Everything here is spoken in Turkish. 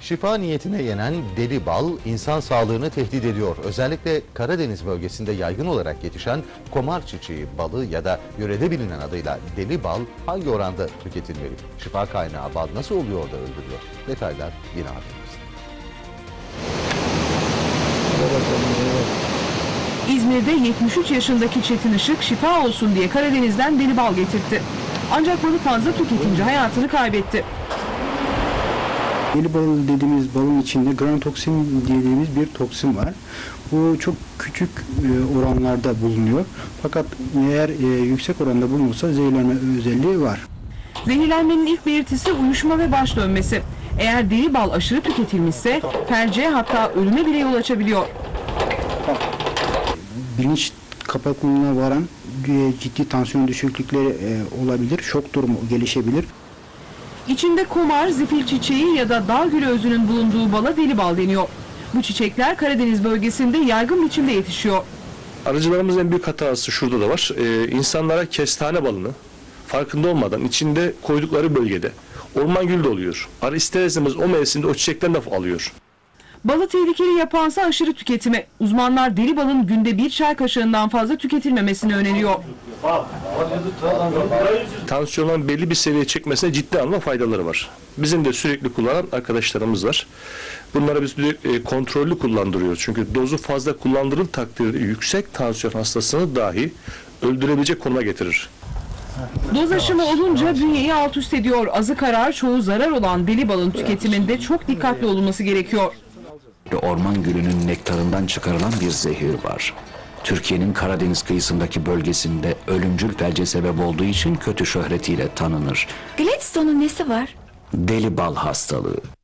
Şifa niyetine yenen deli bal insan sağlığını tehdit ediyor. Özellikle Karadeniz bölgesinde yaygın olarak yetişen komar çiçeği balı ya da yörede bilinen adıyla deli bal hangi oranda tüketilmeli? Şifa kaynağı bal nasıl oluyor da öldürüyor? Detaylar yine haberimizde. İzmir'de 73 yaşındaki Çetin Işık şifa olsun diye Karadeniz'den deli bal getirtti. Ancak balı fazla tüketince hayatını kaybetti. Deli bal dediğimiz balın içinde granotoksin dediğimiz bir toksin var. Bu çok küçük oranlarda bulunuyor. Fakat eğer yüksek oranda bulunursa zehirlenme özelliği var. Zehirlenmenin ilk belirtisi uyuşma ve baş dönmesi. Eğer deli bal aşırı tüketilmişse felce hatta ölüme bile yol açabiliyor. Bilinç kapaklığına varan ciddi tansiyon düşüklükleri olabilir. Şok durumu gelişebilir. İçinde komar, zifil çiçeği ya da dağ gülü özünün bulunduğu bala deli bal deniyor. Bu çiçekler Karadeniz bölgesinde yaygın biçimde yetişiyor. Arıcılarımızın en büyük hatası şurada da var. İnsanlara kestane balını farkında olmadan içinde koydukları bölgede orman gülü de oluyor. Arı ister istemez o mevsimde o çiçekten de alıyor. Balı tehlikeli yapansa aşırı tüketimi. Uzmanlar deli balın günde 1 çay kaşığından fazla tüketilmemesini öneriyor. Tansiyonun belli bir seviyeye çekmesine ciddi anlamda faydaları var. Bizim de sürekli kullanan arkadaşlarımız var. Bunlara biz kontrollü kullandırıyoruz. Çünkü dozu fazla kullandırıl takdirde yüksek tansiyon hastasını dahi öldürebilecek konuma getirir. Doz aşımı olunca bünyeyi alt üst ediyor. Azı karar, çoğu zarar olan deli balın tüketiminde çok dikkatli olunması gerekiyor. Orman gülünün nektarından çıkarılan bir zehir var. Türkiye'nin Karadeniz kıyısındaki bölgesinde ölümcül felce sebep olduğu için kötü şöhretiyle tanınır. Gladstone'un nesi var? Deli bal hastalığı.